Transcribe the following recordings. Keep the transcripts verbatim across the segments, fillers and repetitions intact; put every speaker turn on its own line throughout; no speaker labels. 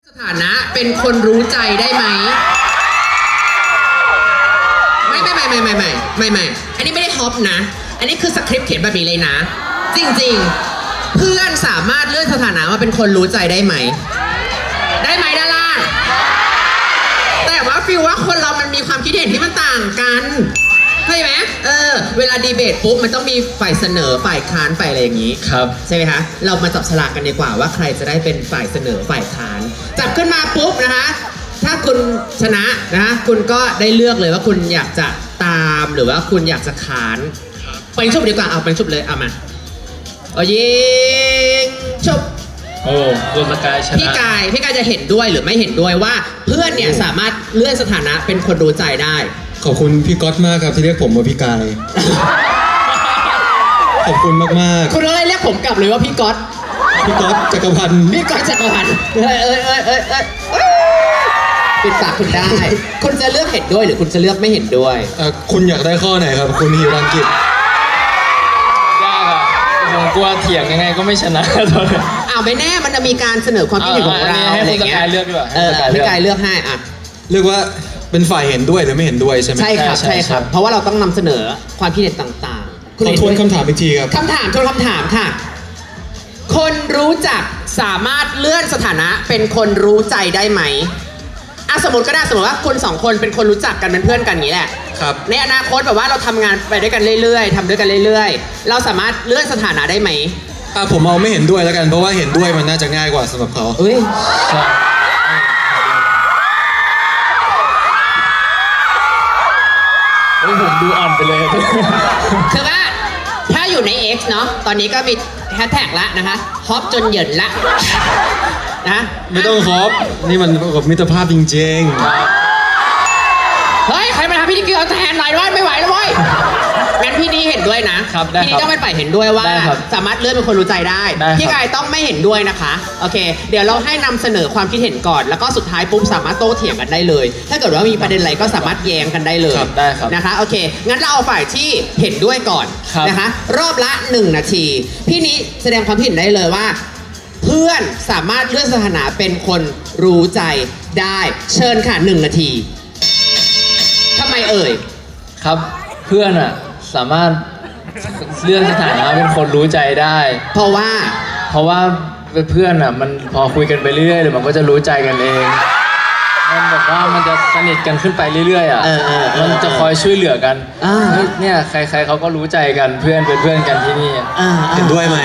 สถานะเป็นคนรู้ใจได้ไหมไม่ไม่ไม่ไม่ไม่ไม่ไม่ไม่อันนี้ไม่ได้ฮอปนะอันนี้คือสคริปต์เขียนแบบนี้เลยนะจริงๆเพื่อนสามารถเลื่อนสถานะมาเป็นคนรู้ใจได้ไหมได้ไหมด้านล่างแต่ว่าฟีลว่าคนเรามันมีความคิดเห็นที่มันต่างกันใช่ไหมเออเวลาดีเบตปุ๊บมันต้องมีฝ่ายเสนอฝ่ายค้านฝ่ายอะไรอย่างนี้ครับใช่ไหมคะเรามาจับฉลากกันดีกว่าว่าใครจะได้เป็นฝ่ายเสนอฝ่ายค้านจับขึ้นมาปุ๊บนะคะถ้าคุณชนะนะคุณก็ได้เลือกเลยว่าคุณอยากจะตามหรือว่าคุณอยากจะค้านไปชุบดีกว่าเอาไปชุบเลยเอามาเอายิงชุบ
โอ้ตัวสกายชนะ
พี่กายพี่กายจะเห็นด้วยหรือไม่เห็นด้วยว่าเพื่อนเนี่ยสามารถเลื่อนสถานะเป็นคนรู้ใจได้
ขอบคุณพี่ก๊อตมากครับที่เรียกผมว่าพี่กายขอบคุณมากๆ
คุณอะไรเรียกผมกลับเลยว่าพี่ก๊อต
พี่ก๊อตจักรพันธ์
พี่ก๊อตจักรพันธ์เอ้ยเอ้ยเอ้ยเอ้ยเอ้ยปิดปากคุณได้คุณจะเลือกเห็นด้วยหรือคุณจะเลือกไม่เห็นด้วย
คุณอยากได้ข้อไหนครับคุณฮิรันกิจ
ยากอะผมกลัวเถียงยังไงก็ไม่ชนะตอนนี้
อ้าวไม่แน่มันจะมีการเสนอความคิดเห็นของเรา
ให้คุณสกายเลือกดีกว่า
เออพี่กายเลือกให้อ่ะ
เลือกว่าเป็นฝ่ายเห็นด้วยหรือไม่เห็นด้วยใช่ไหม
ใช่ครับใช่ครับเพราะว่าเราต้องนำเสนอความคิดเห็นต่าง
ๆขอทวนคำถามอีกทีครับ
คำถามทวนคำถามค่ะคนรู้จักสามารถเลื่อนสถานะเป็นคนรู้ใจได้ไหมอ่ะสมมติก็ได้สมมติว่าคุณสองคนเป็นคนรู้จักกันเป็นเพื่อนกันอย่างนี้แหละ
ครับ
ในอนาคตแบบว่าเราทำงานไปด้วยกันเรื่อยๆทำด้วยกันเรื่อยๆเราสามารถเลื่อนสถานะได้ไหม
อ่ะผมเอาไม่เห็นด้วยแล้วกันเพราะว่าเห็นด้วยมันน่าจะง่ายกว่าสำหรับเขา
เอ้ย
ผมดูอ่อนไปเลย
คือว่าถ้าอยู่ใน X เนาะตอนนี้ก็มีแฮชแท็กละนะคะฮอปจนเหยินละนะ
ไม่ต้องฮอปนี่มันกับมิตรภาพจริง
ๆเฮ้ยใครมาทำพี่นิกกี้เอาแทนหน่อยด้วยไม่ไหวแล้วเว้ยงั้นพี่นี่เห็นด้วยนะพี่นี่ต้องเป็นฝ่ายเห็นด้วยว่าสามารถเลื่อนเป็นคนรู้ใจได้พี่กายต้องไม่เห็นด้วยนะคะโอเคเดี๋ยวเราให้นำเสนอความคิดเห็นก่อนแล้วก็สุดท้ายปุ๊บสามารถโต้เถียงกันได้เลยถ้าเกิดว่ามีประเด็นอะไรก็สามารถแย้งกันได้เลยนะคะโอเคงั้นเราเอาฝ่ายที่เห็นด้วยก่อนนะคะรอบละหนึ่งนาทีพี่นี้แสดงความเห็นได้เลยว่าเพื่อนสามารถเลื่อนสถานะเป็นคนรู้ใจได้เชิญค่ะหนึ่งนาทีทำไมเอ่ย
ครับเพื่อนอะสามารถเลื่อนสถานะเป็นคนรู้ใจได้
เพราะว่า
เพราะว่าเพื่อนอะมันพอคุยกันไปเรื่อยๆเดี๋ยวมันก็จะรู้ใจกันเองมันแบบว่ามันจะสนิทกันขึ้นไปเรื่อยๆอ่ะมันจะคอยช่วยเหลือกันเนี่ยใครๆเขาก็รู้ใจกันเพื่อนเป็นเพื่อนกันที่นี่
เห็นด้วยไหม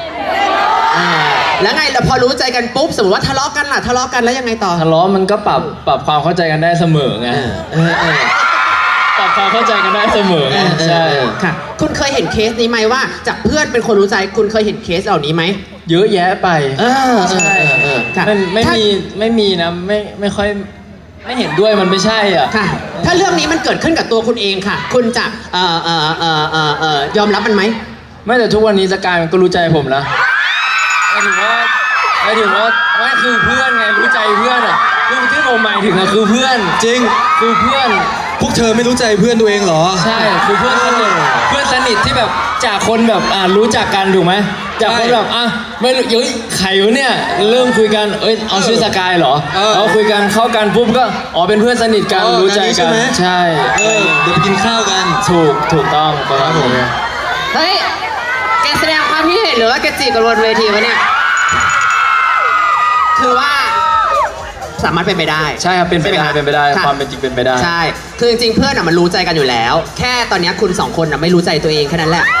แล้วไงแต่พอรู้ใจกันปุ๊บสมมติว่าทะเลาะกันล่ะทะเลาะกันแล้วยังไงต่อ
ทะเลาะมันก็ปรับปรับความเข้าใจกันได้เสมอไงปรับความเข้าใจกันได้เสมอไงใช่
ค่ะคุณเคยเห็นเคสนี้ไหมว่าจากเพื่อนเป็นคนรู้ใจคุณเคยเห็นเคสเหล่านี้ไหม
เยอะแยะไป
ใช่
ไม่ไม่มีไม่มีนะไม่ไม่ค่อยไม่เห็นด้วยมันไม่ใช่อ่ะ
ค่ะถ้าเรื่องนี้มันเกิดขึ้นกับตัวคุณเองค่ะคุณจะเอ่อเอ่อเอ่อเอ่อเอ่อยอมรับมันไหม
ไม่แต่ทุกวันนี้สกายมันก็รู้ใจผมนะหมายถึงว่าหมายถึงว่าไม่คือเพื่อนไงรู้ใจเพื่อนอ่ะคือที่ผมหมายถึงอะคือเพื่อน
จริง
คือเพื่อน
พวกเธอไม่รู้ใจเพื่อนตัวเองเหรอ
ใช่คือเพื่อนสนิทเพื่อนสนิทที่แบบจากคนแบบอ่ารู้จักกันถูกไหมจากคนแบบอ่ะไม่รู้เฮ้ยใครวะเนี่ยเริ่มคุยกันเอ้ยเอาชื่อสกายเหรอเอาคุยกันเข้ากันปุ๊บก็อ๋อเป็นเพื่อนสนิทกันรู้ใจกันใช่
เออเดี๋ยวไปกินข้าวกัน
ถูกถูกต้องครับผม
เฮ้ยแกแสดงความคิดเห็นหรือว่าแกจีบกันบนเวทีวะเนี่ยคือว่าสามารถเป็นไปได้
ใช่ครับเป็นไปได้เป็นไปได้ความเป็นจริงเป็นไปได้
ใช่คือจริงๆเพื่อนอะมันรู้ใจกันอยู่แล้วแค่ตอนนี้คุณสองคนอะไม่รู้ใจตัวเองแค่นั้นแหละ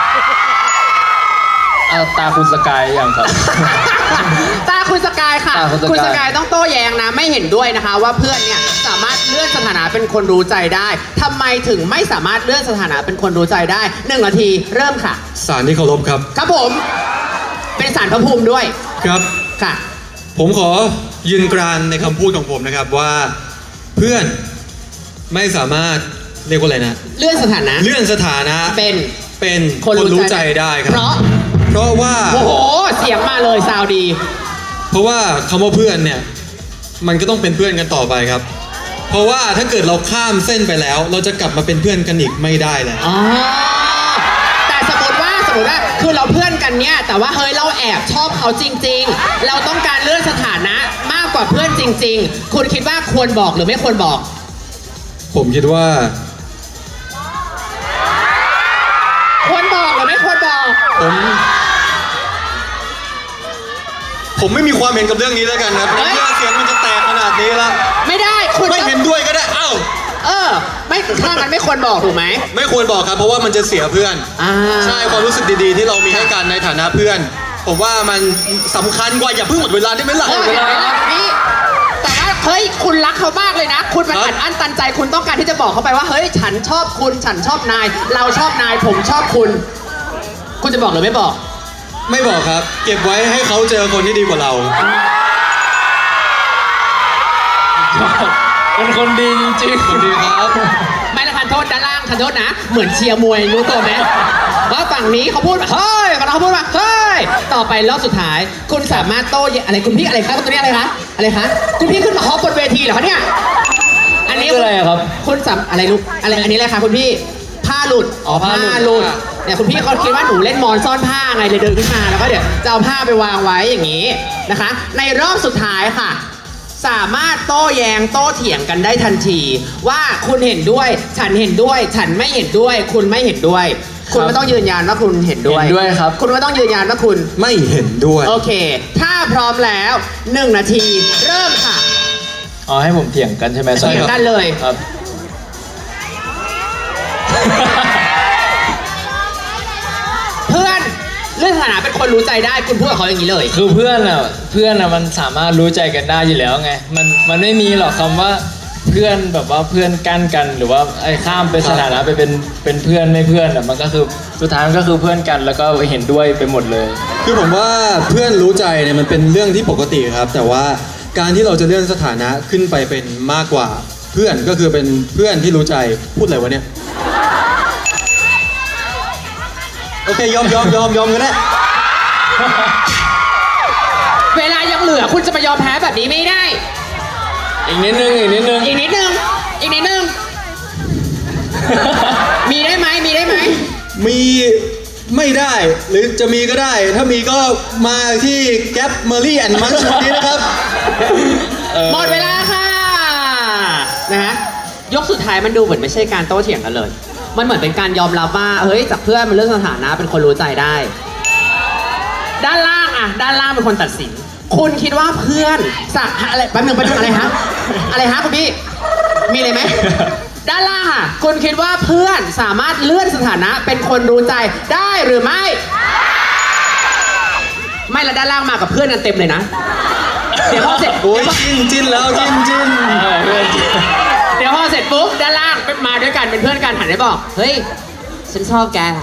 ตาคุณสกายอย่างครับ
ตาคุณสกายค่ะคุณสกายต้องโต้แย้งนะไม่เห็นด้วยนะคะว่าเพื่อนเนี่ยสามารถเลื่อนสถานะเป็นคนรู้ใจได้ทำไมถึงไม่สามารถเลื่อนสถานะเป็นคนรู้ใจได้หนึ่งนาทีเริ่มค่ะ
ศาลที่เคารพครับ
ครับผมเป็นศาลพระภูมิด้วย
ครับ
ค่ะ
ผมขอยืนกรานในคำพูดของผมนะครับว่าเพื่อนไม่สามารถเรียกว่าอะไรนะ
เลื่อนสถานะ
เลื่อนสถานะ
เป็น
เป็นคนรู้ใจได้ครับ
เพราะ
เพราะว่า
โอ้โหเสียงมาเลยซาวดี
เพราะว่าคำว่าเพื่อนเนี่ยมันก็ต้องเป็นเพื่อนกันต่อไปครับเพราะว่าถ้าเกิดเราข้ามเส้นไปแล้วเราจะกลับมาเป็นเพื่อนกันอีกไม่ได้แล้ว
แต่สมมติว่าสมมมติว่าคือเราเพื่อนกันเนี่ยแต่ว่าเฮ้ยเราแอบชอบเขาจริง ๆ เราต้องการเลื่อนสถานะมากกว่าเพื่อนจริง ๆ คุณคิดว่าควรบอกหรือไม่ควรบอก
ผมคิดว่า
ควรบอกหรือไม่ควรบอก
ผม ผมไม่มีความเห็นกับเรื่องนี้แล้วกันครับ
เฮ้ย
เรื่องเสียงมันจะแตกขนาดนี้ละ
ไม่ได้คุณ
ไม่
ต้อง
เห็นด้วยก็ได้เอ้า
เออ ไม่ถ้ามันไม่ควรบอกถูกไหม
ไม่ควรบอกครับเพราะว่ามันจะเสียเพื่อน
อ่า
ใช่ความรู้สึกดีๆ ที่เรามีให้กันในฐานะเพื่อน ผมว่ามันสำคัญกว่าอย่าเพิ่งหมดเวลาได้ไหมล่ะ
เออเห็นไหมล่ะพี่แต่ว่าเฮ้ยคุณรักเขามากเลยนะ คุณมัน
ครับ
อัดอั้นตันใจคุณต้องการที่จะบอกเขาไปว่าเฮ้ยฉันชอบคุณฉันชอบนาย เราชอบนายผมชอบคุณ คุณจะบอกหรือไม่บอก
ไม่บอกครับ เก็บไว้ให้เขาเจอคนที่ดีกว่าเรา
เป็นคนดีจริงๆ
คนดีครับ
ไม่ละทันโทษด้านล่างทันโทษนะ เหมือนเชียร์มวยรู้ตัวไหมว่าฝั่งนี้เขาพูดว่าเฮ้ยฝั่งเราเขาพูดว่าเฮ้ยต่อไปรอบสุดท้าย คุณสามารถโต้แย้งอะไรคุณพี่อะไรคะตัวนี้อะไรคะอะไรคะคุณพี่ขึ้นมาฮอปบนเวทีเหรอคะเนี่ยอันนี้
คืออะไรอะครับ
คุณสามอะไรลูกอะไรอันนี้อะไรคะคุณพี่ผ้าหลุด
อ๋อผ้าหลุด
หลุดเนี่ยคุณพี่เขาคิดว่าหนูเล่นมอนซ่อนผ้าไงเลยเดินขึ้นมาแล้วก็เดี๋ยวจะเอาผ้าไปวางไว้อย่างนี้นะคะ ในรอบสุดท้ายค่ะ สามารถโต้แย้งโต้เถียงกันได้ทันที ว่าคุณเห็นด้วย ฉันเห็นด้วย ฉันไม่เห็นด้วย คุณไม่เห็นด้วย คุณไม่ต้องยืนยันว่าคุณเห็นด้วย
เห็นด้วยครับ
คุณไม่ต้องยืนยันว่าคุณ
ไม่เห็นด้วย
โอเค ถ้าพร้อมแล้วหนึ่งนาทีเริ่มค่ะ
อ๋อให้ผมเถียงกันใช่ไหม
เถียงกันเลย
ครับ
เพื่อนเรื่องสถานะเป็นคนรู้ใจได้คุณพูดกับเขาอย่างนี้เลย
คือเพื่อนอ่ะเพื่อนอ่ะมันสามารถรู้ใจกันได้อยู่แล้วไงมันมันไม่มีหรอกคำว่าเพื่อนแบบว่าเพื่อนกั้นกันหรือว่าไอ้ข้ามเป็นสถานะไปเป็นเป็นเพื่อนไม่เพื่อนอ่ะมันก็คือสุดท้ายมันก็คือเพื่อนกันแล้วก็เห็นด้วยไปหมดเลย
คือผมว่าเพื่อนรู้ใจเนี่ยมันเป็นเรื่องที่ปกติครับ แต่ว่าการที่เราจะเลื่อนสถานะขึ้นไปเป็นมากกว่าเพื่อนก็คือเป็นเพื่อนที่รู้ใจพูดอะไรวะเนี่ยโอเคยอมยอมยอมยอมกันได้
เวลายังเหลือคุณจะมายอมแพ้แบบนี้ไม่ได้
อีกนิดนึงอีกนิดนึง
อีกนิดนึง อีกนิดนึง มีได้ไหมมีได้ไหม
มีไม่ได้หรือจะมีก็ได้ ถ้ามีก็มาที่แก๊ปเมอรี่แอนด์มันวันนี้นะครับ
หมดเวลาค่ะ นะฮะ ยกสุดท้ายมันดูเหมือนไม่ใช่การโต้เถียงกันเลย มันเหมือนเป็นการยอมรับว่า เฮ้ย จากเพื่อนมันเรื่องสถานะเป็นคนรู้ใจได้ ด้านล่างอะด้านล่างเป็นคนตัดสิน คุณคิดว่าเพื่อนสักอะไรแป๊บนึงแป๊บนึงอะไรฮะ อะไรฮะคุณพี่ มีอะไรไหม ด้านล่างอะคุณคิดว่าเพื่อนสามารถเลื่อนสถานะเป็นคนรู้ใจได้หรือไม่ ไม่ละด้านล่างมากับเพื่อนกันเต็มเลยนะ เดี๋ยวพอเสร็จ
โอ้ยจิ้นจิ้นแล้วจิ้นจิ้น
เออเพื่อนจริง
เดี๋ยวพอเสร็จปุ๊บด้านล่างมาด้วยกันเป็นเพื่อนกันหันไปบอก เฮ้ย ฉันชอบแกอะ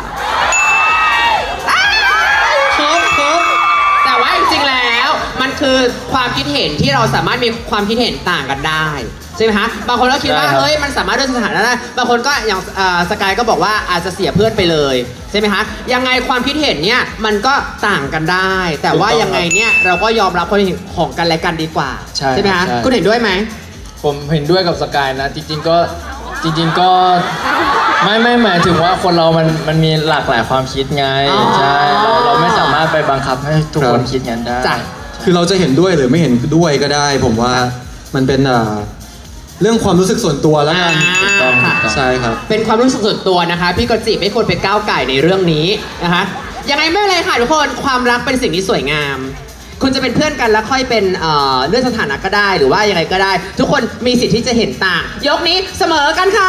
ครับครับแต่ว่าจริงๆแล้วมันคือความคิดเห็นที่เราสามารถมีความคิดเห็นต่างกันได้ใช่ไหมฮะบางคนก็คิดว่าเฮ้ยมันสามารถด้วยสถานะได้บางคนก็อย่างอ่าสกายก็บอกว่าอาจจะเสียเพื่อนไปเลยใช่ไหมฮะยังไงความคิดเห็นเนี่ยมันก็ต่างกันได้ แต่ว่ายังไงเนี่ยเราก็ยอมรับความเห็นของกันและกันดีกว่า
ใช่
ไหมฮะ
ใช่
คุณเห็นด้วยไหม
ผมเห็นด้วยกับสกายนะ จริงๆก็จริง ๆก็ไม่ไม่หมายถึงว่าคนเรามันมันมีหลากหลายความคิดไง
อ๋อ
ใช่เราเราไม่สามารถไปบังคับให้ทุกคนคิดงั้นได้
จ้ะ
คือเราจะเห็นด้วยหรือไม่เห็นด้วยก็ได้ ผมว่ามันเป็นอ่าเรื่องความรู้สึกส่วนตัวแล้วกัน
อ่าค่ะ
ใช่ครับ
เป็นความรู้สึกส่วนตัวนะคะ พี่กจิไม่ควรไปก้าวไก่ในเรื่องนี้นะคะยังไงไม่เป็นไรค่ะทุกคนความรักเป็นสิ่งที่สวยงาม คุณจะเป็นเพื่อนกันแล้วค่อยเป็นเอ่อเรื่องสถานะก็ได้หรือว่ายังไงก็ได้ ทุกคนมีสิทธิ์ที่จะเห็นต่าง ยกนี้เสมอกันค่ะ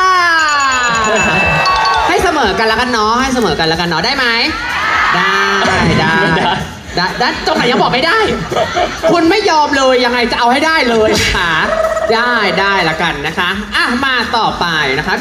ให้เสมอกันแล้วกันเนาะให้เสมอกันแล้วกันเนาะได้ไหมได้ได้
ไม่ได้
ได้ได้ตรงไหนยังบอกไม่ได้ คุณไม่ยอมเลยยังไงจะเอาให้ได้เลยค่ะได้ได้ละกันนะคะอ่ะมาต่อไปนะคะ